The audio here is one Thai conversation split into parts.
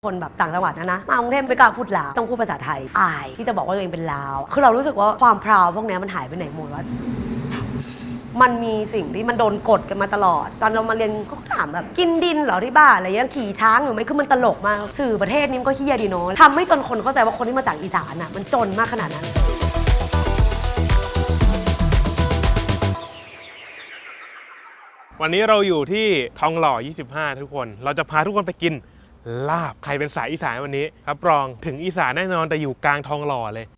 คนแบบต่างจังหวัดนะมากรุงเทพไม่กล้าพูดลาวต้องพูดภาษาไทยอายที่จะบอกว่าตัวเองเป็นลาวคือเรารู้สึกว่าความพราวพวกนี้มันหายไปไหนหมดวะมันมีสิ่งที่มันโดนกดกันมาตลอดตอนเรามาเรียนก็ถามแบบกินดินเหรอที่บ้านอะไรยังขี่ช้างอยู่ไหมคือมันตลกมากสื่อประเทศนี้มันก็เฮี้ยดีเนาะทำให้จนคนเข้าใจว่าคนที่มาจากอีสานอ่ะมันจนมากขนาดนั้นวันนี้เราอยู่ที่ทองหล่อ 25 ทุกคนเราจะพาทุกคนไปกินลาบใครเป็นสายอีสานวันนี้รับรองถึงอีสานแน่นอนแต่อยู่กลางทองหล่อเลย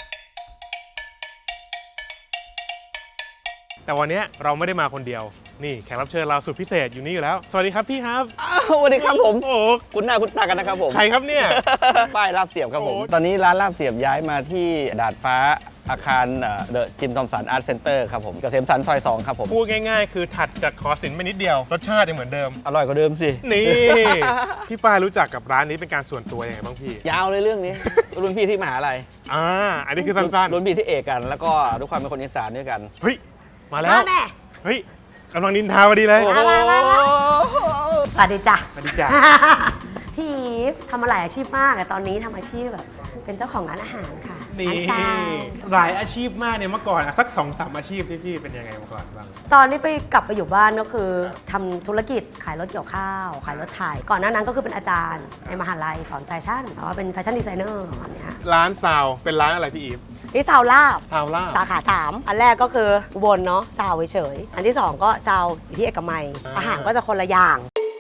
แต่วันนี้เราไม่ได้มาคนเดียวนี่แขกรับเชิญเราสุดพิเศษอยู่นี่อยู่แล้วสวัสดีครับพี่ครับสวัสดีครับผมโอ้คุณหน้าคุณตากันนะครับผมใครครับเนี่ยป้ายลาบเสียบครับผมโอ้ตอนนี้ร้านลาบเสียบย้ายมาที่ดาดฟ้าอาคารเดอะจิมทอมสันอาร์ตเซ็นเตอร์ครับผมเกษมสันซอย 2 ครับผมพูดง่ายๆคือถัดจากขอสินไปนิดเดียวรสชาติยังเหมือนเดิมอร่อยกว่าเดิมสินี่พี่ฝ้ายรู้จักกับร้านนี้เป็นการส่วนตัวยังไงบ้างพี่ยาวเลยเรื่องนี้ รุ่นพี่ที่มหาลัยอันนี้คือสั้นรุ่นพี่ที่เอกกัน แล้วก็ทุกความเป็นคนอีสานด้วยกันๆเฮ้ยมาแล้วแม่เฮ้ยกำลังนินทาพอดีเลยมาสวัสดีจ้ะสวัสดีจ้ะพี่อีฟทำมาหลายอาชีพมากแต่ตอนนี้ทำอาชีพแบบเป็นเจ้าของร้านอาหารค่ะนี่ร้านซาวหลายอาชีพมากเนี่ยเมื่อก่อนอะสัก 2-3 อาชีพที่พี่เป็นยังไงมาก่อนบ้างตอนนี้ไปกลับไปอยู่บ้านก็คือทำธุรกิจขายรถเกี่ยวข้าวขายรถไถก่อนหน้านั้นก็คือเป็นอาจารย์ในมหาลัยสอนแฟชั่นแต่ว่าเป็นแฟชั่นดีไซเนอร์แบบเนี้ยร้านซาวเป็นร้านอะไรพี่อีฟที่ซาวลาบซาวล่าสาขา 3 อันแรกก็คืออุบลเนาะซาวเฉยๆอันที่ 2 ก็ซาวอยู่ที่เอกมัยอาหารก็จะคนละอย่าง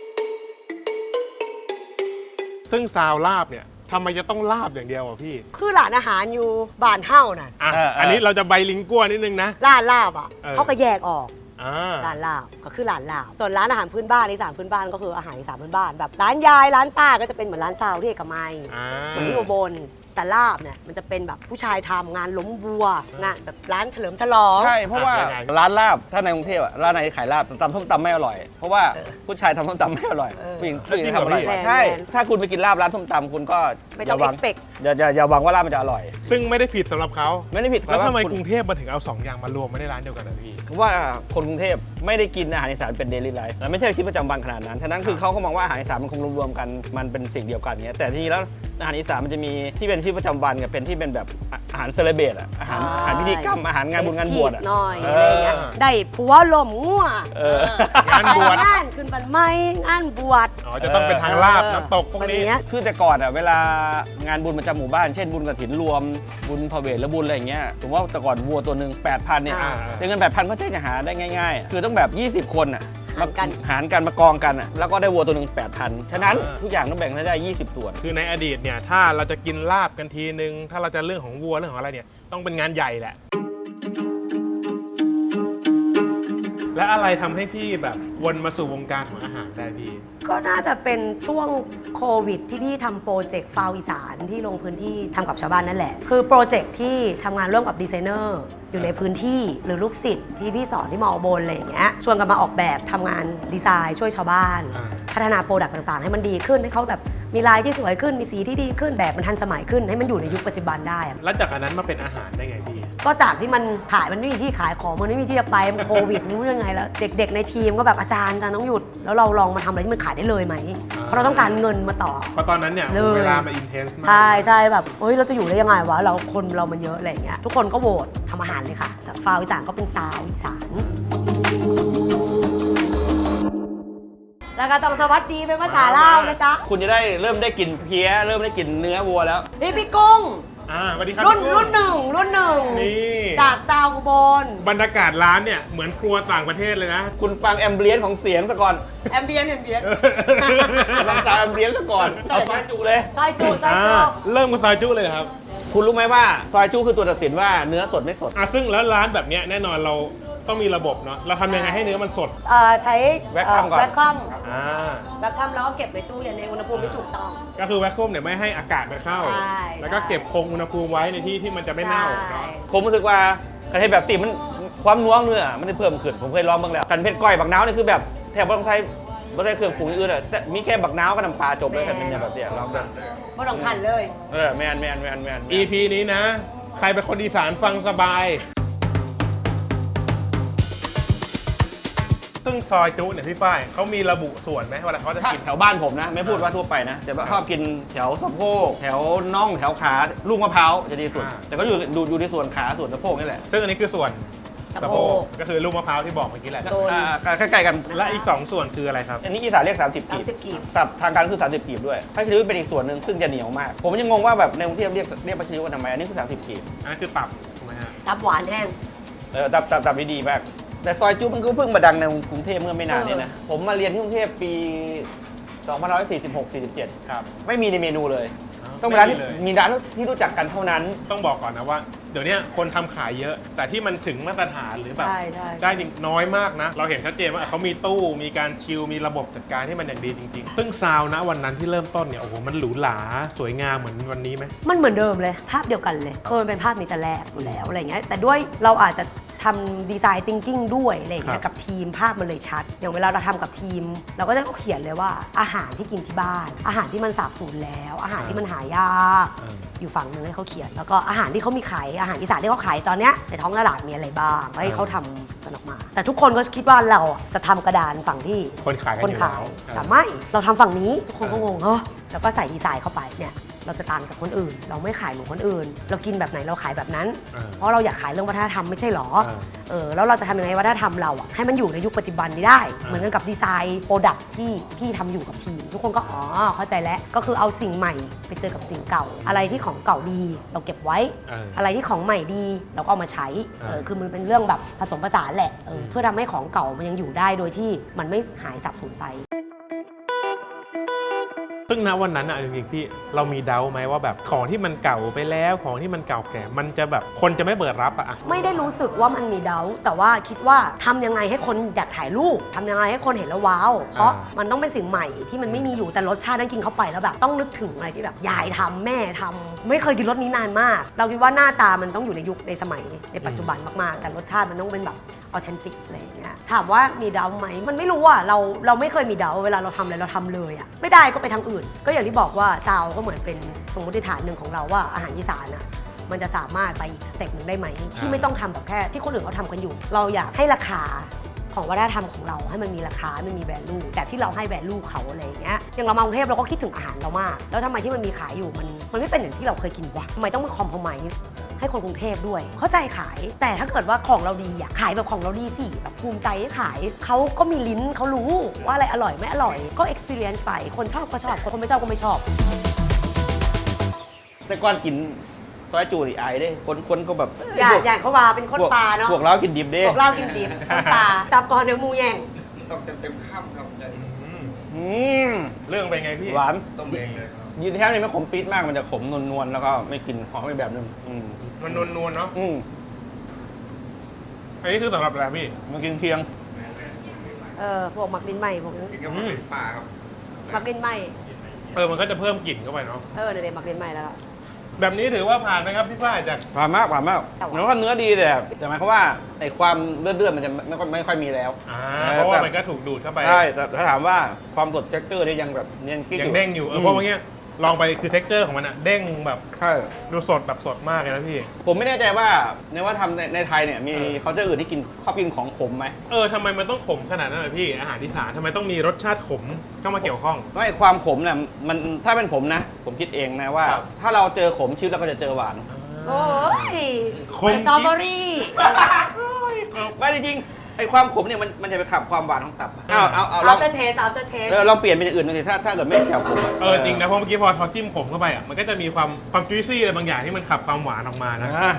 ซึ่งซาวลาบเนี่ยทำไมจะต้องลาบอย่างเดียวอ่ะพี่คือร้านอาหารอยู่บ้านเฮ้าน่ะอ่ะเอออันนี้เราจะใบลิงกัวนิดนึงนะร้านลาบอ่ะเออเขาก็แยกออกอ่าร้านลาบก็คือร้านลาบส่วนร้านอาหารพื้นบ้านอีสานพื้นบ้านก็คืออาหารอีสานพื้นบ้านแบบร้านยายร้านป้าก็จะเป็นเหมือนร้านซาวที่เอกมัยอ่าเหมือนที่อุบลแต่ลาบเนี่ยมันจะเป็นแบบผู้ชายทำงานล้มวัวงานแบบร้านเฉลิมฉลองใช่ เพราะว่าร้านลาบ ถ้าในกรุงเทพอะร้านไหนขายลาบตำส้มตำไม่อร่อย เพราะว่าผู้ชายทำส้มตำไม่อร่อย ผู้หญิงทำอร่อยกว่าใช่ ถ้าคุณไปกินลาบร้านส้มตำคุณก็ไม่ต้อง expect อย่าหวังว่าลาบมันจะอร่อยซึ่งไม่ได้ผิดสำหรับเขาไม่ได้ผิดแล้วทำไมคุณกรุงเทพมาถึงเอา2อย่างมารวมไว้ในร้านเดียวกันนะพี่เพราะว่าคนกรุงเทพไม่ได้กินอาหารอีสานเป็นเดลี่ไลฟ์ไม่ใช่ชีวิตประจำวันขนาดนั้น ฉะนั้นคือเขาก็มองว่าอาหารอีสานมันคงรวมๆกันมันเป็นสิ่งเดียวกันเงี้ยแต่ทีนี้แล้วอาหารอีสานมันจะมีที่เป็นชีวิตประจำวันกับเป็นที่เป็นแบบอาหารเซเลเบรตอะอาหารพิธีกรรมอาหารงานบุญงานบวชอะหน่อยอะไรเงี้ยได้ผัวลมงัวงานบวชงานขึ้นบันไม้งานบวชอ๋อจะต้องเป็นทางลาบน้ำตกพวกนี้แบบเนี้ยคือแต่ก่อนอะเวลางานบุญประจำหมู่บ้านเช่นบุญกฐินรวมบุญพระเวทและบุญอะไรอย่างเงี้ยผมว่าแต่ก่อนวัวตัวหนึ่ง 8,000 เนี่ยอ่าแต่เงิน 8,000 ก็ใช่จะหาได้ง่ายๆ คือต้องแบบ 20 คนอะหารกันหารกันมากองกันอะแล้วก็ได้วัวตัวหนึ่ง 8,000 ฉะนั้นทุกอย่างต้องแบ่งให้ได้ 20 ส่วนคือในอดีตเนี่ยถ้าเราจะกินลาบกันทีนึงถ้าเราจะเรื่องของวัวเรื่องของอะไรเนี่ยต้องเป็นงานใหญ่แหละ และอะไรทำให้พี่แบบวนมาสู่วงการของอาหารได้พี่ก็น่าจะเป็นช่วงโควิดที่พี่ทำโปรเจกต์ฟาวอีสานที่ลงพื้นที่ทำกับชาวบ้านนั่นแหละ คือโปรเจกต์ที่ทำงานร่วมกับดีไซเนอร์อยู่ในพื้นที่หรือลูกศิษย์ที่พี่สอนที่มอบนอะไรอย่างเงี้ยชวนกันมาออกแบบทำงานดีไซน์ช่วยชาวบ้าน พัฒนาโปรดักต์ต่างๆ ให้มันดีขึ้นให้เขาแบบมีลายที่สวยขึ้นมีสีที่ดีขึ้นแบบมันทันสมัยขึ้นให้มันอยู่ในยุคปัจจุบันได้อะแล้วจากอันนั้นมาเป็นอาหารได้ไงพี่ก็จากที่มันขายมันไม่มีที่ขายของมันไม่มีที่จะไปมันโควิดไม่รู้ยังไงแล้วเด็กๆในทีมก็แบบอาจารย์ต้องหยุดแล้วเราลองมาทำอะไรที่มันขายได้เลยไหมเพราะเราต้องการเงินมาต่อเพราะตอนนั้นเนี่ยเลยเวลามันอินเทนส์มากใช่แบบเฮ้ยเราจะอยู่ได้ยังไงวะเราคนเรามันเยอะอะไรอย่างเงี้ยทุกคนก็โหวตทำอาหารเลยค่ะแต่ฟาวอีสานก็เป็นซาวอีสานแล้วก็ต้องสวัสดีเป็นภาษาลาวนะจ๊ะคุณจะได้เริ่มได้กลิ่นเพี้ยเริ่มได้กลิ่นเนื้อวัวแล้วนี่พี่กุ้งสวัสดีครับรุ่นพี่กุ้งรุ่นหนึ่งนี่จากซาวอุบลบรรยากาศร้านเนี่ยเหมือนครัวต่างประเทศเลยนะคุณฟังแอมเบียนของเสียงซะก่อนแอมเบียนฟังซาวแอมเบียนซะก่อนเอาซอยจุเลยซอยจูซอยจูเริ่มกับซอยจุเลยครับคุณรู้ไหมว่าซอยจุคือตัวตัดสินว่าเนื้อสดไม่สดซึ่งแล้วร้านแบบเนี้ยแน่นอนเราต้องมีระบบเนาะเราทำยังไงให้เนื้อมันสดใช้แว็กคัมก่อนแว็กคัมอ่าแว็กคัมแล้วก็เก็บในตู้เย็นในอุณหภูมิที่ถูกต้องก็คือแวคคุมเนี่ยไม่ให้อากาศมันเข้าใช่แล้วก็เก็บคงอุณหภูมิไว้ในที่ที่มันจะไม่เน่าเนาะผมรู้สึกว่าการเทศแบบตีมันความนัวเนื้อมันจะเพิ่มขึ้นผมเคยลองบ้างแล้วกันเผ็ดก้อยบักน้าวนี่คือแบบแทบไม่ต้องใช้เครื่องปรุงอื่นเลยแต่มีแค่บักน้าวกับน้ำปลาจบเลยกันเป็นแบบเนี้ยลองแบบไม่ต้องขันเลยแมน EP นี้นะ ใครเป็นคนอีสานฟังสบายซึ่งซอยจุเนี่ยพี่ฝ้ายเขามีระบุส่วนไหมเวลาเขาจะถ้ากินแถวบ้านผมนะไม่พูดว่าทั่วไปนะแต่ว่าชอบกินแถวสะโพกแถวน่องแถวขาลูกมะพร้าวจะดีสุดแต่ก็อยู่ที่ส่วนขาส่วนสะโพกนี่แหละซึ่งอันนี้คือส่วนสะโพกก็คือลูกมะพร้าวที่บอกเมื่อกี้แหละโดนใกล้ๆกันและอีก 2 ส่วนคืออะไรครับอันนี้อีสานเรียก30กีบ 30กีบสับทางการคือ30กีบด้วยพัชริวเป็นอีกส่วนหนึ่งซึ่งจะเหนียวมาก ผมยังงงว่าแบบในกรุงเทพเรียกพัชริวกันทำไมอันนี้คือ30กีบอันนั้นคือตับถูกไหมฮะตับหวานแห้งตับดีมากแต่ซอยจุ๊บมันก็เพิ่งมาดังในกรุงเทพเมื่อไม่นานนี้นะผมมาเรียนที่กรุงเทพปี2546-47 ครับไม่มีในเมนูเลย ต้องเป็นร้านที่ไม่มีเลยมีร้านที่รู้จักกันเท่านั้นต้องบอกก่อนนะว่า เดี๋ยวนี้คนทำขายเยอะ แต่ที่มันถึงมาตรฐานหรือแบบใช่ใช่ได้จริงน้อยมากนะ เราเห็นชัดเจนว่าเขามีตู้มีการชิลมีระบบจัดการที่มันอย่างดีจริงๆ ซึ่งซาวนะวันนั้นที่เริ่มต้นเนี่ยโอ้โหมันหรูหราสวยงามเหมือนวันนี้ไหมมันเหมือนเดิมเลยภาพเดียวกันเลยมันเป็นภาพนี้แต่แรกอยู่แล้วอะไรเงี้ยแต่ด้วยเราอาจจะทำดีไซน์ thinking ด้วยอะไรอย่างเงี้ครัยบกับทีมภาพมันเลยชัด อย่างเวลาเราทำกับทีม เราก็จะเขียนเลยว่าอาหารที่กินที่บ้าน อาหารที่มันสาบสูญแล้ว อาหารที่มันหายาก อยู่ฝั่งนึงให้เขาเขียน แล้วก็อาหารที่เขามีขายอาหารอีสานที่เขาขายตอนเนี้ยในท้องตลาดมีอะไรบ้างให้เขาทำกันออกมา แต่ทุกคนก็คิดว่าเราอ่ะจะทำกระดานฝั่งที่คนขายกันคนอยู่ขายแล้วแต่ไม่เราทำฝั่งนี้ทุกคนก็งงเฮ้อแล้วก็ใส่ดีไซน์เข้าไปเนี่ยเราจะต่างจากคนอื่น เราไม่ขายเหมือนคนอื่น เรากินแบบไหนเราขายแบบนั้น เพราะเราอยากขายเรื่องวัฒนธรรมไม่ใช่หรอแล้วเราจะทำยังไงวัฒนธรรมเราอ่ะให้มันอยู่ในยุคปัจจุบันนี้ได้ เหมือนกันกับดีไซน์โปรดักที่พี่ทำอยู่กับทีม ทุกคนก็อ๋อเข้าใจแล้วก็คือเอาสิ่งใหม่ไปเจอกับสิ่งเก่า อะไรที่ของเก่าดีเราเก็บไว้ อะไรที่ของใหม่ดีเราก็เอามาใช้คือมันเป็นเรื่องแบบผสมผสานแหละเพื่อทำให้ของเก่ามันยังอยู่ได้โดยที่มันไม่หายสับสูญไปซึ่งณวันนั้นอะจริงๆพี่เรามีเดาไหมว่าแบบของที่มันเก่าไปแล้วของที่มันเก่าแก่มันจะแบบคนจะไม่เปิดรับอะไม่ได้รู้สึกว่ามันมีเดาแต่ว่าคิดว่าทำยังไงให้คนอยากถ่ายรูปทำยังไงให้คนเห็นแล้วว้าวเพราะมันต้องเป็นสิ่งใหม่ที่มันไม่มีอยู่แต่รสชาตินั้นกินเข้าไปแล้วแบบต้องนึกถึงอะไรที่แบบยายทำแม่ทำไม่เคยกินรสนี้นานมาก เราคิดว่าหน้าตามันต้องอยู่ในยุคในสมัยในปัจจุบันมากๆแต่รสชาติมันต้องเป็นแบบออเทนติกอะไรอย่างเงี้ยถามว่ามีเดาไหมมันไม่รู้อ่ะเราไม่เคยมีเดาเวลาเราทำอะไรเราทำเลยอ่ะไม่ได้ก็ไปทางอื่น ก็อย่างที่บอกว่าซาวก็เหมือนเป็นสมมติฐานหนึ่งของเราว่าอาหารอีสานอ่ะมันจะสามารถไปอีกสเต็ปหนึ่งได้ไหมที่ไม่ต้องทำแบบแค่ที่คนอื่นเขาทำกันอยู่ เราอยากให้ราคาของวัฒนธรรมของเราให้มันมีราคามันมีแวลูแต่ที่เราให้แวลูเขาอะไรอย่างเงี้ยอย่างเรามากรุงเทพเราก็คิดถึงอาหารเรามากแล้วทำไมที่มันมีขายอยู่มันไม่เป็นอย่างที่เราเคยกินวะทำไมต้องมาคอมเพลมไมซ์ให้คนกรุงเทพด้วยเข้าใจขายแต่ถ้าเกิดว่าของเราดีอะขายแบบของเราดีสิแบบภูมิใจให้ขายเขาก็มีลิ้นเขารู้ว่าอะไรอร่อยไม่อร่อยก็ experience ไปคนชอบก็ชอบคนไม่ชอบก็ไม่ชอบแต่ก่อนกินซอยจูนี่อายเด้คนก็แบบอยากเขาว่าเป็นคนปลาเนาะพวกเรากินดิบเด้พวกเรากินดิบคนปลาตับก่อนเดี๋ยวมูแย่งต้องเต็มข้ามครับจะอืมเรื่องเป็นไงพี่หวานต้มเองเลยครับยืนแท้นี่ไม่ขมปี๊ดมากมันจะขมนวลๆแล้วก็ไม่กลิ่นหอมอีกแบบนึงมันนวลๆเนาะ อันนี้คือสำหรับอะไรพี่มันกินเคียงพวกหมักดินใหม่พวกนี้กินกับมันเป็นปลาครับหมักดินใหม่มันก็จะเพิ่มกลิ่นเข้าไปเนาะเดี๋ยวหมักดินใหม่แล้วแบบนี้ถือว่าผ่านไหมครับพี่ฝ้ายจากผ่านมากแต่ว่าแล้วก็เนื้อดีแต่หมายความว่าไอ้ความเลือดมันจะไม่ค่อยมีแล้วเพราะว่ามันก็ถูกดูดเข้าไปใช่แต่ถ้าถามว่าความสดเท็กเจอร์นี่ยังแบบเนียนกิ๊กยังเด้งอยู่เพราะว่าเงี้ยลองไปคือเท็กเจอร์ของมันอะเด้งแบบใช่ดูสดแบบสดมากเลยนะพี่ผมไม่แน่ใจว่าในว่าทำในไทยเนี่ยมีเขาจะอื่นที่ชอบกินของขมไหมทำไมมันต้องขมขนาดนั้นเลยพี่อาหารอีสานทำไมต้องมีรสชาติขมเข้ามาเกี่ยวข้องไม่ความขมเนี่ยมันถ้าเป็นผมนะ ผมคิดเองนะว่าครับถ้าเราเจอขมชีวิตเราก็จะเจอหวานโอ้ยขมสตรอเบอรี่ไม่จริงๆไอ้ความขมเนี่ยมันจะไปขับความหวานของตับเอาลอัองลเตอร์เทสอัลเตอร์เทสลองเปลี่ยนเป็นอย่างอื่นดูสิถ้าเกิดไม่แถวขมอะจริงนะเพราะเมื่อกี้พอจิ้มขมเข้าไปอ่ะมันก็จะมีความจุยซี่อะไรบางอย่างที่มันขับความหวานออกมานะอ่ะ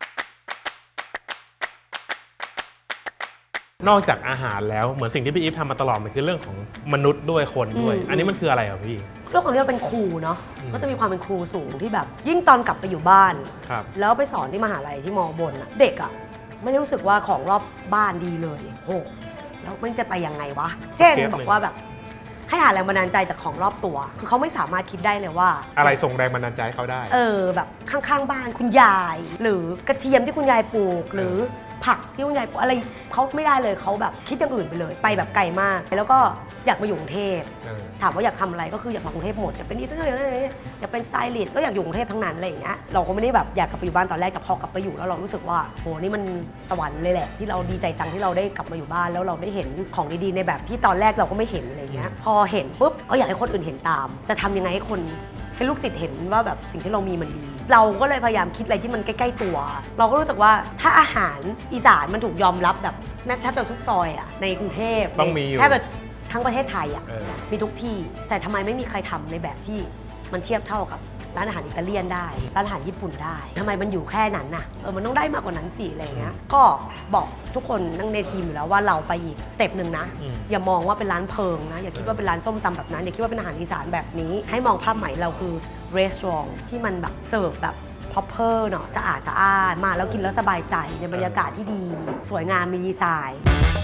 นอกจากอาหารแล้วเหมือนสิ่งที่พี่อีฟทำมาตลอดมันคือเรื่องของมนุษย์ด้วยคนด้วย อันนี้มันคืออะไรอ่ะพี่เรื่องของเรื่องเป็นครูเนาะก็จะมีความเป็นครูสูงที่แบบ ยิ่งตอนกลับไปอยู่บ้านครับแล้วไปสอนที่มหาลัยที่มอบนอะเด็กอะไม่ได้รู้สึกว่าของรอบบ้านดีเลยโอ้แล้วมันจะไปยังไงวะ เช่นบอกว่าแบบให้หาแรงบันดาลใจจากของรอบตัว คือเขาไม่สามารถคิดได้เลยว่าอะไรส่งแรงบันดาลใจให้เขาได้แบบข้างๆบ้านคุณยาย หรือกระเทียมที่คุณยายปลูก หรือผักที่คุณยายปลูกอะไรเขาไม่ได้เลยเขาแบบคิดอย่างอื่นไปเลยไปแบบไกลมากแล้วก็อยากมาอยู่กรุงเทพถามว่าอยากทำอะไรก็คืออยากมากรุงเทพหมดอยากเป็นดีไซเนอร์อยากเป็นสไตลิสต์ก็อยากอยู่กรุงเทพทั้งนั้นอะไรอย่างเงี้ยเราก็ไม่ได้แบบอยากกลับไปอยู่บ้านตอนแรกแต่พอกลับไปอยู่แล้วเรารู้สึกว่าโหนี่มันสวรรค์เลยแหละที่เราดีใจจังที่เราได้กลับมาอยู่บ้านแล้วเราได้เห็นของดีๆในแบบที่ตอนแรกเราก็ไม่เห็นอะไรเงี้ยพอเห็นปุ๊บก็อยากให้คนอื่นเห็นตามจะทำยังไงให้ลูกศิษย์เห็นว่าแบบสิ่งที่เรามีมันดีเราก็เลยพยายามคิดอะไรที่มันใกล้ๆตัว เราก็รู้สึกว่าถ้าอาหารอีสานมันถูกยอมรับแบบแทบจะทุกซอยอ่ะในกรุงเทพต้องมีอยู่แทบจะทั้งประเทศไทยอ่ะเออมีทุกที่แต่ทำไมไม่มีใครทำในแบบที่มันเทียบเท่ากับร้านอาหารอิตาเลียนได้ร้านอาหารญี่ปุ่นได้ทำไมมันอยู่แค่นั้นน่ะมันต้องได้มากกว่านั้นสิอะไรอย่างเงี้ยก็บอกทุกคนนั่งในทีมอยู่แล้วว่าเราไปอีกสเต็ปหนึ่งนะอย่ามองว่าเป็นร้านเพิงนะอย่าคิดว่าเป็นร้านส้มตำแบบนั้นอย่าคิดว่าเป็นอาหารอีสานแบบนี้ให้มองภาพใหม่เราคือรีสอร์ทที่มันแบบเสิร์ฟแบบพอปเปอร์เนาะสะอาดมาแล้วกินแล้วสบายใจในบรรยากาศที่ดีสวยงามมีดีไซน์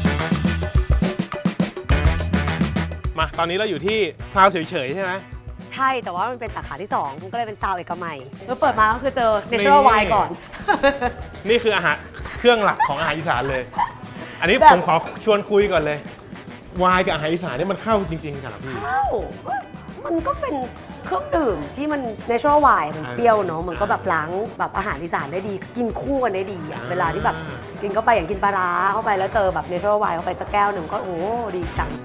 มาตอนนี้เราอยู่ที่ซาวเฉยๆใช่ไหมใช่แต่ว่ามันเป็นสาขาที่2มันก็เลยเป็นซาวเอกมัยเมื่อเปิดมาก็คือเจอ Natural Wine ก่อนนี่คืออาหารเครื่องหลักของอาหารอีสานเลย อันนี้แบบผมขอชวนคุยก่อนเลย วายกับอาหารอีสานนี่มันเข้าจริงๆกันเหรอพี่อ้าวมันก็เป็นเครื่องดื่มที่มัน Natural Wine มันเปรี้ยวเนาะมันก็แบบล้างแบบอาหารอีสานได้ดี กินคู่กันได้ดีอะเวลาที่แบบกินเข้าไปอย่างกินปลาร้าเข้าไปแล้วเจอแบบ Natural Wine เข้าไปสักแก้วหนึ่งก็โอ้ดีจัง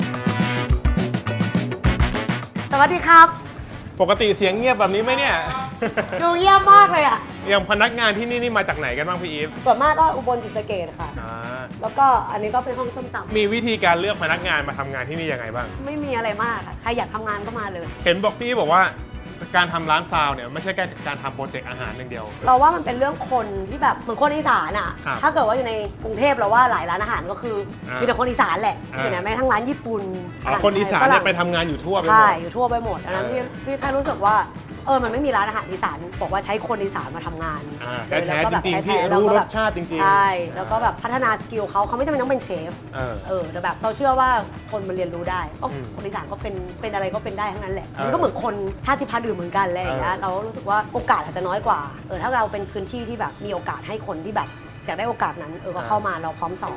สวัสดีครับปกติเสียงเงียบแบบนี้ไหมเนี่ยดูเยี่ยมมากเลยอ่ะอย่างพนักงานที่นี่มาจากไหนกันบ้างพี่อีฟส่วนมากก็อุบลศรีสะเกษค่ะอ่าแล้วก็อันนี้ก็เป็นห้องส้มตำมีวิธีการเลือกพนักงานมาทำงานที่นี่ยังไงบ้างไม่มีอะไรมากค่ะใครอยากทำงานก็มาเลยเห็นบอกพี่บอกว่าการทำร้านซาวเนี่ยไม่ใช่แค่การทำโปรเจกต์อาหารอย่างเดียวเราว่ามันเป็นเรื่องคนที่แบบเหมือนคนอีสานอ่ะครับถ้าเกิดว่าอยู่ในกรุงเทพเราว่าหลายร้านอาหารก็คือมีแต่คนอีสานแหละอ่าอยู่ไหนแม้ทั้งร้านญี่ปุ่นอ๋อคนอีสานเนี่ยไปทำงานอยู่ทั่วไปหมใช่ดอยู่ทั่วไปหมดอันนั้นพี่แค่รู้สึกว่ามันไม่มีร้านอาหารอีสานบอกว่าใช้คนอีสานมาทำงานแท้ล้วก็แบบๆจริงๆที่แท้ๆแล้วรู้ก็รแบสบชาติจริงๆใช่แล้วก็แบบพัฒนาสกิลเขาไม่จำเป็นต้องเป็นเชฟเออแต่แบบเราเชื่อว่าคนมันเรียนรู้ได้ก็อืมคนอีสานก็เป็นอะไรก็เป็นได้ทั้งนั้นแหละเออมันก็เหมือนคนชาติพันธุ์อื่นเหมือนกันอะไรอย่างเงี้ยเรารู้สึกว่าโอกาสอาจจะน้อยกว่าถ้าเราเป็นพื้นที่ที่แบบมีโอกาสให้คนที่แบบอยากได้โอกาสนั้นก็เข้ามาเราพร้อมสอน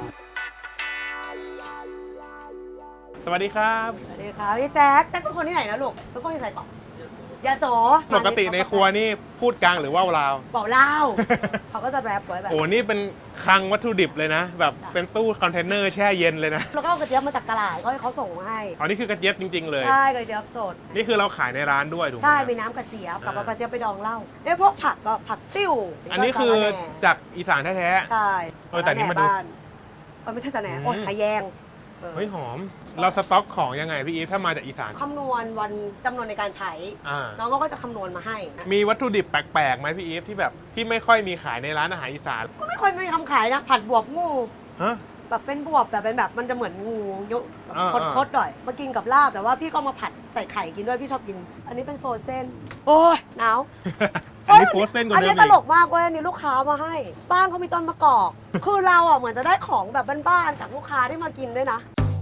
สวัสดีครับสวัสดีครับพี่แจ๊คเป็นคนที่ไหนนะลูกเป็นคนที่ไหนต่อยาโสปกติในครัวนี่พูดกลางหรือว่าวลาวบอกเล่า เขาก็จะแรปไว้แบบโอ้นี่เป็นคลังวัตถุดิบเลยนะ แบบเป็นตู้คอนเทนเนอร์แช่เย็นเลยนะแล้วก็เอากระเจี๊ยบมาจากตลาดก็ให้เขาส่งมาให้อ๋อนี่คือกระเจี๊ยบจริง ๆ เลยใช่กระเจี๊ยบสดนี่คือเราขายในร้านด้วยถูกไหมใช่มีน้ำกระเจี๊ยบกับเอากระเจี๊ยบไปดองเหล้าพวกผักก็ผักติ้วอันนี้คือจากอีสานแท้ใช่แต่นี่มาดูบ้ไม่ใช่สะแหน่โอ๊ยขยแยงๆเฮ้ยหอม เราสต็อกของยังไงพี่อีฟถ้ามาจากอีสานคำนวณวันจำนวนในการใช้อ่าน้องก็จะคำนวณมาให้มีวัตถุดิบแปลกๆไหมพี่อีฟที่แบบที่ไม่ค่อยมีขายในร้านอาหารอีสานก็ไม่ค่อยมีคำขายนะผัดบวบงูฮะแบบเป็นบวบแต่เป็นแบบมันจะเหมือนงูยุบอ่าคดๆหน่อยมากินกับลาบแต่ว่าพี่ก็มาผัดใส่ไข่กินด้วยพี่ชอบกิน อันนี้เป็นโฟรเซนโอ้ยหนาวอันนี้โพสเส้นกว่าอันเดินี้มตอีลกกมากเว้ยอันนี่ลูกค้ามาให้ บ้านเขามีต้นมะกอก คือเราเหมือนจะได้ของแบบบ้านๆจากลูกค้าที่มากินด้วยนะ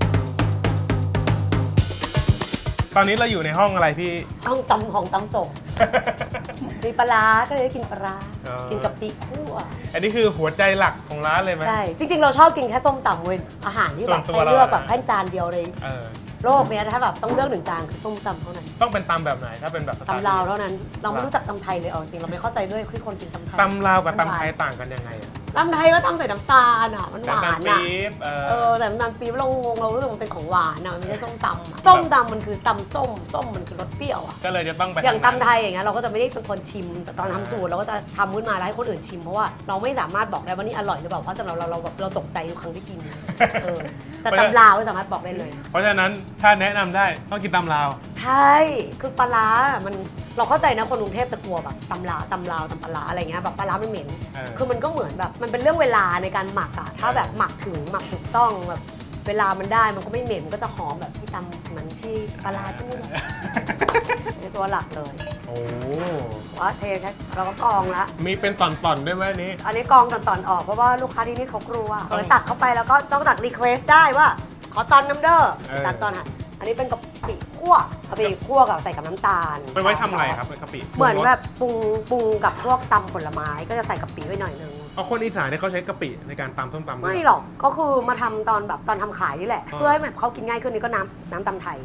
ตอนนี้เราอยู่ในห้องอะไรพี่ต้องตำของตำส่ง มีปลาร้าก็เลยได้กินปลาร้าอ๋อกินกะปิคั่วอันนี้คือหัวใจหลักของร้านเลยไหมใช่ จริงๆ เราชอบกินแค่ส้มตำเว้ยอาหารที่แบบส่วนตัวให้เลือกเราแบบแค่จานเดียวเลยเออโลกเนี้ยถ้าแบบต้องเลือก1 จานคือส้มตำเท่านั้นต้องเป็นตำแบบไหนถ้าเป็นแบบสไตล์ตำลาวเท่านั้น เราไม่รู้จักตำไทยเลยเอาจริงเราไม่เข้าใจด้วยที่คนกินตำไทยตำลาวกับตำไทยต่างกันยังไงอะตำไทยก็ตำใส่น้ำตาลอ่ะมันหวานน้ำตาลอ่ะปี๊บแต่น้ำตาลปี๊บเรางงเรารู้สึกมันเป็นของหวานอ่ะมันไม่ใช่ส้มตำอะส้มตำมันคือตำส้มส้มมันคือรสเปรี้ยวอ่ะก็เลยจะต้องไปอย่างทำตำไทยอย่างเงี้ยเราก็จะไม่ได้เป็นคนชิมแต่ตอนทำสูตรเราก็จะทำขึ้นมาแล้วให้คนอื่นชิมเพราะว่าเราไม่สามารถบอกได้ว่านี่อร่อยหรือเปล่าเพราะสำหรับเราแบบเราตกใจทุกครั้งที่กินแต่ตำลาวไม่สามารถบอกได้เลยเพราะฉะนั้นถ้าแนะนำได้ต้องกินตำลาวใช่คือปลาร้ามันเราเข้าใจนะคนกรุงเทพจะกลัวแบบตำลาวตำปลาร้าอะไรเงี้ยแบบปลาร้ามันเหม็น คือมันก็เหมือนแบบมันเป็นเรื่องเวลาในการหมักอะถ้าแบบหมักถูกต้องแบบเวลามันได้มันก็ไม่เหม็นมันก็จะหอมแบบที่ตำเหมือนที่ปลาร้าที่นี่ในตัวหลักเลยโอ้ว่าเทแค่เราก็กรองละมีเป็นตอนๆด้วยไหมอันนี้อันนี้กรองตอนออกเพราะว่าลูกค้าที่นี่เขากลัวตักเข้าไปแล้วก็ต้องตักรีเควสได้ว่าขอตอนน้ำเด้อตักตอนค่ะอันนี้เป็นกะปิคั่วกะปิคั่วกับใส่กับน้ำตาลไปไว้ทำอะไรครับเป็นกะปิเหมือนแบบปรุงกับพวกตำผลไม้ก็จะใส่กะปิไว้หน่อยนึงเอาคนอีสานเนี่ยเขาใช้กะปิในการตำส้มตำด้วยไม่หรอกก็คือมาทำตอนแบบตอนทำขายนี่แหละ เพื่อให้แบบเขากินง่ายขึ้นนี่ก็น้ำตำไทย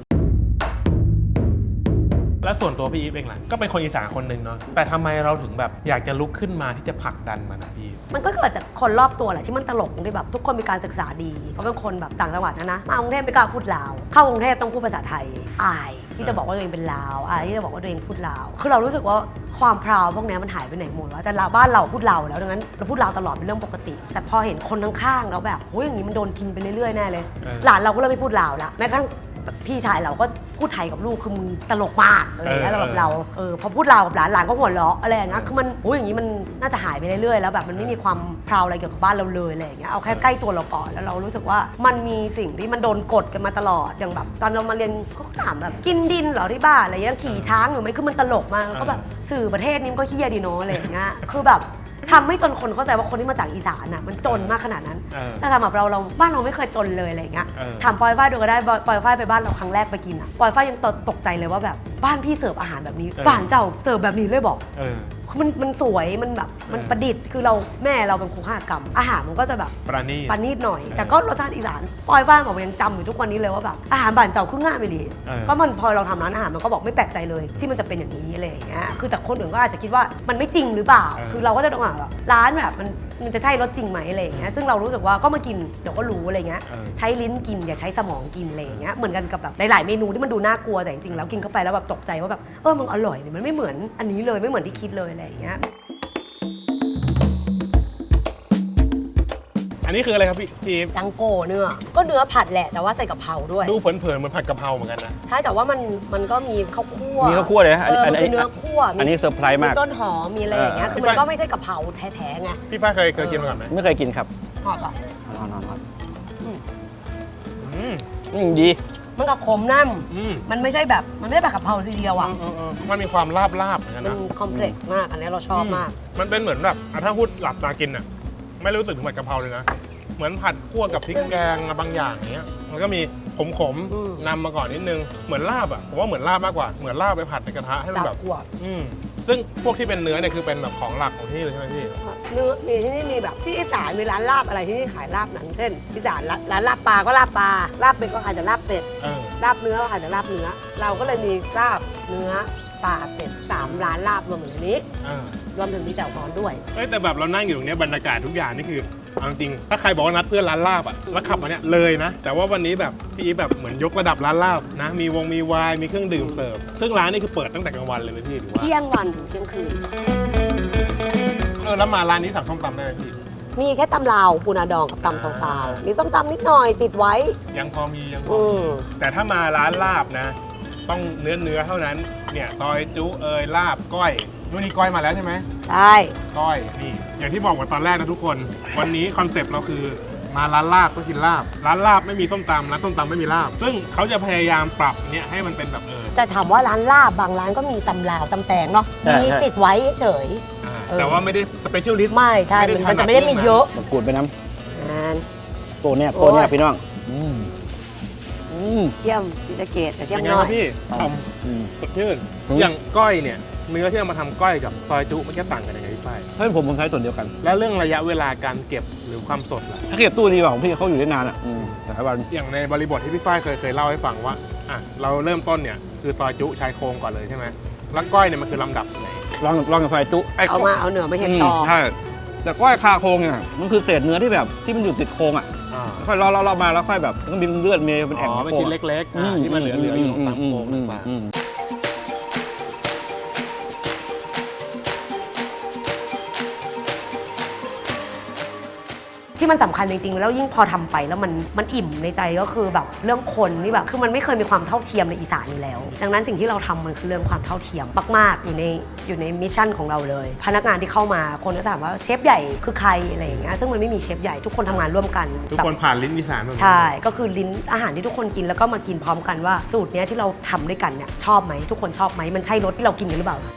และส่วนตัวพี่อีฟเองล่ะก็เป็นคนอีสานคนหนึ่งเนาะแต่ทำไมเราถึงแบบอยากจะลุกขึ้นมาที่จะผลักดันมันนะพี่มันก็เกิดจากคนรอบตัวแหละที่มันตลกตรงที่แบบทุกคนมีการศึกษาดีเพราะเป็นคนแบบต่างจังหวัดนะมากรุงเทพไม่กล้าพูดลาวเข้ากรุงเทพต้องพูดภาษาไทยอายที่จะบอกว่าตัวเองเป็นลาวอายที่จะบอกว่าตัวเองพูดลาวคือเรารู้สึกว่าความพราวพวกนี้มันหายไปไหนหมดวะแต่บ้านเราพูดลาวแล้วดังนั้นเราพูดลาวตลอดเป็นเรื่องปกติ แต่พอเห็นคนข้างๆแล้วแบบโอ้ยอย่างนี้มันโดนกินไปเรื่อยๆแน่เลยหลานเราก็เริ่มไม่พูดลาวละแม้กระทั่งพี่ชายเราก็พูดไทยกับลูกคือมึงตลกมากอะไรอย่างเงี้ยสำหรับเราพอพูดลาวกับหลานก็หัวเราะอะไรอย่างเงี้ยคือมันโอ้ยอย่างนี้มันน่าจะหายไปเรื่อยๆแล้วแบบมันไม่มีความพราวอะไรเกี่ยวกับบ้านเราเลยอะไรอย่างเงี้ยเอาแค่ใกล้ตัวเราก่อนแล้วเรารู้สึกว่ามันมีสิ่งที่มันโดนกดกันมาตลอดอย่างแบบตอนเรามาเรียนก็ถามแบบกินดินเหรอที่บ้านอะไรอย่างเงี้ยขี่ช้างอยู่ไหมคือมันตลกมากแล้วก็แบบสื่อประเทศนี้มันก็เฮี้ยดีเนาะอะไรอย่างเงี้ยคือแบบทำให้จนคนเข้าใจว่าคนที่มาจากอีสานน่ะมันจนมากขนาดนั้นแต่สำหรับเราบ้านเราไม่เคยจนเลยอะไรอย่างเงี้ยถามปอยฝ้ายดูก็ได้ปอยฝ้ายไปบ้านเราครั้งแรกไปกินอ่ะปอยฝ้ายยังตกใจเลยว่าแบบบ้านพี่เสิร์ฟอาหารแบบนี้บ้านเจ้าเสิร์ฟแบบนี้เลยบอกมันสวยมันแบบมันประดิษฐ์คือเราแม่เราเป็นครูฆาตกรรมอาหารมันก็จะแบบประณีตหน่อยแต่ก็รสชาติอีสานปอยฝ้ายบอกว่ายังจำอยู่ทุกวันนี้เลยว่าแบบอาหารบ้านเจ้าคือง่ายไปดีเพราะมันพอเราทำร้านอาหารมันก็บอกไม่แปลกใจเลยที่มันจะเป็นอย่างนี้อะไรอย่างเงี้ยคือแต่คนอื่นก็อาจจะคิดว่ามันไม่จริงหรือเปล่าคือเราก็จะต้องอ่านแบบร้านแบบมันจะใช่รสจริงไหมอะไรอย่างเงี้ยซึ่งเรารู้สึกว่าก็มากินเดี๋ยวก็รู้อะไรเงี้ยใช้ลิ้นกินอย่าใช้สมองกินอะไรอย่างเงี้ยเหมือนกันกับแบบหลายๆเมนูที่มันดูน่ากลัวแต่จริงๆแล้วกินเข้าไปแล้วแบบตกใจว่าแบบมันอร่อยเนี่ยมันไม่เหมือนอันนี้เลยไม่เหมือนที่คิดเลยอะไรอย่างเงี้ยอันนี้คืออะไรครับพี่ทีมจังโก้เนื้อก็เนื้อผัดแหละแต่ว่าใส่กะเพราด้วยดูเผินๆเหมือนผัดกะเพราเหมือนกันนะใช่แต่ว่ามันก็มีข้าวคั่วมีข้าวคั่วเลยนะมันเป็นเนื้อคั่วอันนี้เซอร์ไพรส์มากมีต้นหอมมีอะไรอย่างเงี้ยคือมันก็ไม่ใช่กะเพราแท้ๆไงพี่ฝ้ายเคยกินมาก่อนไหมไม่เคยกินครับหอมป่ะดีมันกับขมน้ำมันไม่ใช่แบบกะเพราทีเดียวอ่ะมันมีความลาบๆเหมือนกันนะมันคอมเพล็กซ์มากอันนี้เราชอบมากมันเป็นเหมือนแบบถ้าพูดหลับตากินอ่ะไม่รู้สึกถึงผัดกะเพราเลยนะเหมือนผัดคั่วกับพริกแกงบางอย่างอย่างเงี้ยมันก็มีขมๆนำมาก่อนนิดนึงเหมือนลาบอ่ะผมว่าเหมือนลาบมากกว่าเหมือนลาบไปผัดในกระทะให้มันแบบซึ่งพวกที่เป็นเนื้อเนี่ยคือเป็นแบบของหลักของที่เลยใช่ไหมพี่เนื้อมีที่นี่มีแบบที่อีสานมีร้านลาบอะไรที่นี่ขายลาบหนังเช่นอีสานร้านลาบปลาก็ลาบปลาลาบเป็ดก็อาจจะลาบเป็ดลาบเนื้อก็อาจจะลาบเนื้อเราก็เลยมีลาบเนื้อปลาเป็ด3ร้านลาบรวมอยู่ในนี้รวมถึงมีแจ่วฮอนด้วยแต่แบบเรานั่งอยู่ตรงนี้บรรยากาศทุกอย่างนี่คือจริงถ้าใครบอกว่านัดเพื่อนร้านลาบอ่ะแล้วขับมาเนี่ยเลยนะแต่ว่าวันนี้แบบพี่อีฟแบบเหมือนยกระดับร้านลาบนะมีไวน์มีเครื่องดื่มเสิร์ฟซึ่งร้านนี่คือเปิดตั้งแต่กลางวันเลยไหมพี่หรือว่าเที่ยงวันถึงเที่ยงคืนแล้วมาร้านนี้สั่งส้มตำได้ไหมพี่มีแค่ตำลาวปูนาดองกับตำซาวๆมีส้มตำนิดหน่อยติดไว้ยังพอมีแต่ถ้ามาร้านลาบนะต้องเนื้อเท่านั้นเนี่ยซอยจุลาบก้อยนู่นนี่ก้อยมาแล้วใช่ไหมใช่ก้อยนี่อย่างที่บอกว่าตอนแรกนะทุกคนวันนี้คอนเซปต์เราคือมาร้านลาบก็กินลาบร้านลาบไม่มีส้มตำร้านส้มตำไม่มีลาบซึ่งเขาจะพยายามปรับเนี่ยให้มันเป็นแบบแต่ถามว่าร้านลาบบางร้านก็มีตำลาวตำแตงเนาะมีติดไว้เฉยแต่ว่าไม่ได้สเปเชียลลิสต์ไม่ใช่มันจะไม่ได้มีเยอะกูดไปน้ำโปเนี่ยพี่น้องเจียมพิจเกตแต่เจียมน้อยพี่ทำสดชื่นอย่างก้อยเนี่ยเนื้อที่เอามาทำก้อยกับซอยจุมันแค่ต่างกันยังไงพี่ฝ้ายให้ผมใช้ส่วนเดียวกันแล้วเรื่องระยะเวลาการเก็บหรือความสดล่ะถ้าเก็บตู้ดีกว่าของพี่เขาอยู่ได้นานอ่ะหลายวันอย่างในบริบทที่พี่ฝ้ายเคยเล่าให้ฟังว่าเราเริ่มต้นเนี่ยคือซอยจุชายโครงก่อนเลยใช่ไหมแล้วก้อยเนี่ยมันคือลำดับไหนลองกับซอยจุเอาเนื้อมาเห็ดต่อใช่แต่ก้อยคาโครงเนี่ยมันคือเศษเนื้อที่แบบที่มันอยู่ติดโครงอ่ะค่อยเลาะมาแล้วค่อยแบบมันก็มีเลือดมีเป็นแอ่งเป็นชิ้นเล็กๆที่มันเหลืออยู่ตามโครงต่างที่มันสำคัญจริงๆแล้วยิ่งพอทำไปแล้วมันอิ่มในใจก็คือแบบเรื่องคนนี่แบบคือมันไม่เคยมีความเท่าเทียมในอีสานอยู่แล้วดังนั้นสิ่งที่เราทำมันคือเรื่องความเท่าเทียมมากๆอยู่ในมิชชั่นของเราเลยพนักงานที่เข้ามาคนก็ถามว่าเชฟใหญ่คือใครอะไรอย่างเงี้ยซึ่งมันไม่มีเชฟใหญ่ทุกคนทำงานร่วมกันทุกคนผ่านลิ้นอีสานใช่ก็คือลิ้นอาหารที่ทุกคนกินแล้วก็มากินพร้อมกันว่าสูตรนี้ที่เราทำด้วยกันเนี่ยชอบไหมทุกคนชอบไหมมันใช่รสที่เรากินกันหรือเปล่า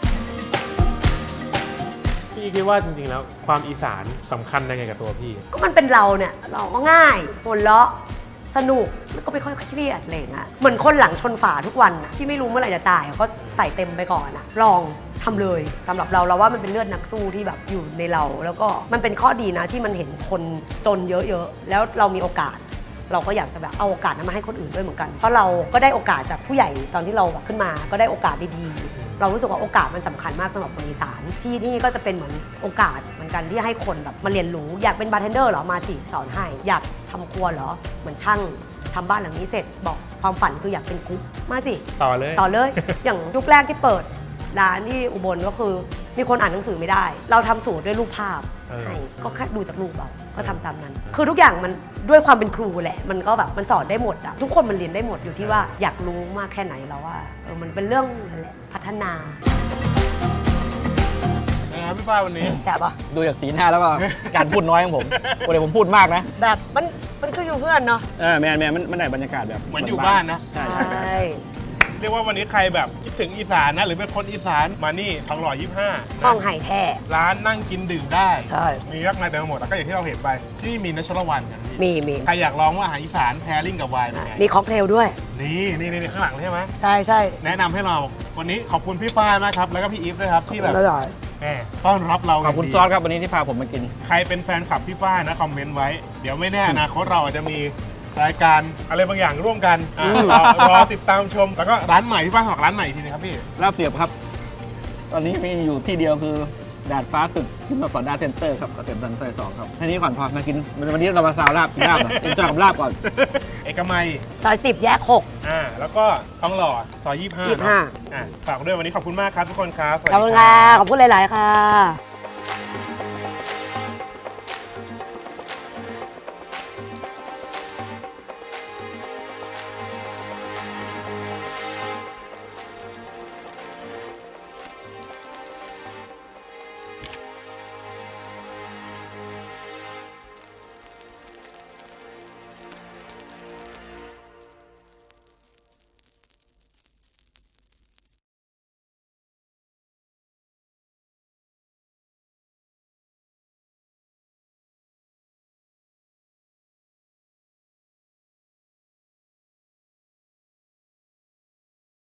พี่คิดว่าจริงๆแล้วความอีสานสำคัญยังไงกับตัวพี่ก็มันเป็นเราเนี่ยเราก็ง่ายหัวเราะสนุกแล้วก็ไม่ค่อยเครียดอะไรอย่างเงี้ยเหมือนคนหลังชนฝาทุกวันที่ไม่รู้เมื่อไหร่จะตายก็ใส่เต็มไปก่อนลองทำเลยสำหรับเราว่ามันเป็นเลือดนักสู้ที่แบบอยู่ในเรา แล้วก็มันเป็นข้อดีนะที่มันเห็นคนจนเยอะๆแล้วเรามีโอกาส เราก็อยากจะแบบเอาโอกาสนั้นมาให้คนอื่นด้วยเหมือนกัน เพราะเราก็ได้โอกาสจากผู้ใหญ่ตอนที่เราแบบขึ้นมาก็ได้โอกาสดีๆเรารู้สึกว่าโอกาสมันสำคัญมากสำหรับคนอีสานที่นี่ก็จะเป็นเหมือนโอกาสเหมือนกันที่ให้คนแบบมาเรียนรู้อยากเป็นบาร์เทนเดอร์เหรอมาสิสอนให้อยากทำครัวเหรอเหมือนช่างทำบ้านหลังนี้เสร็จบอกความฝันคืออยากเป็นกุ๊กมาสิต่อเลยต่อเลย อย่างยุคแรกที่เปิดร้านที่อุบลก็คือมีคนอ่านหนังสือไม่ได้ เราทำสูตรด้วยรูปภาพให้ก็แค่ดูจากรูปเราก็ทำตามนั้น คือทุกอย่างมันด้วยความเป็นครูแหละ มันก็แบบมันสอนได้หมดอะทุกคนมันเรียนได้หมดอยู่ที่ว่าอยากรู้มากแค่ไหนแล้วว่ามันเป็นเรื่องนั่นแหละพัฒนานะครับพี่ฝ้ายวันนี้แซ่บปะดูจากสีหน้าแล้วก็ การพูดน้อยของผมปกติผมพูดมากนะแบบมันก็อยู่เพื่อนเนาะแมนมันได้บรรยากาศแบบเหมือนอยู่บ้านนะใช่ใช่เรียกว่าวันนี้ใครแบบคิดถึงอีสานนะหรือเป็นคนอีสานมานี่ทองหล่อ 25 ห้องไห่แท้ร้านนั่งกินดื่มได้ใช่มีมากมายเต็มไปหมดแล้วก็อย่างที่เราเห็นไปที่นี่มีนัชรวันกันพี่มีใครอยากลองว่าอาหารอีสานแพริ่งกับไวน์เป็นไงมีค็อกเทลด้วยนี่ข้างหลังใช่ไหมใช่ใช่แนะนำให้เราวันนี้ขอบคุณพี่ฝ้ายมากครับแล้วก็พี่อีฟด้วยครับที่แบบอร่อยแหมต้อนรับเราขอบคุณย่างดีซอสครับวันนี้ที่พาผมมากินใครเป็นแฟนคลับพี่ฝ้ายนะคอมเมนต์ไว้ เดี๋ยวไม่แน่อนาคตเราอาจจะมีรายการอะไรบางอย่างร่วมกันรอติดตามชม แล้วก็ร้านใหม่พี่ฝ้ายบอกร้านใหม่อีกทีนะครับพี่ลาบเสียบครับ ตอนนี้มีอยู่ที่เดียวคือดาดฟ้าตึกที่มาสอนดาเซ็นเตอร์ครับเกษมสันซอย2ครับทีนี้ก่อนพอมากินวันนี้เรามาซาวลาบกินลาบนะเอ็นจอยกับลาบก่อนเอกมัยซอย10 แยก 6 แล้วก็ทองหล่อซอย25 25 ฝากด้วยวันนี้ขอบคุณมากครับทุกคนครับสวัสขอบดีคุณครัค่ะบขอบคุณหลาย ๆ ค่ะ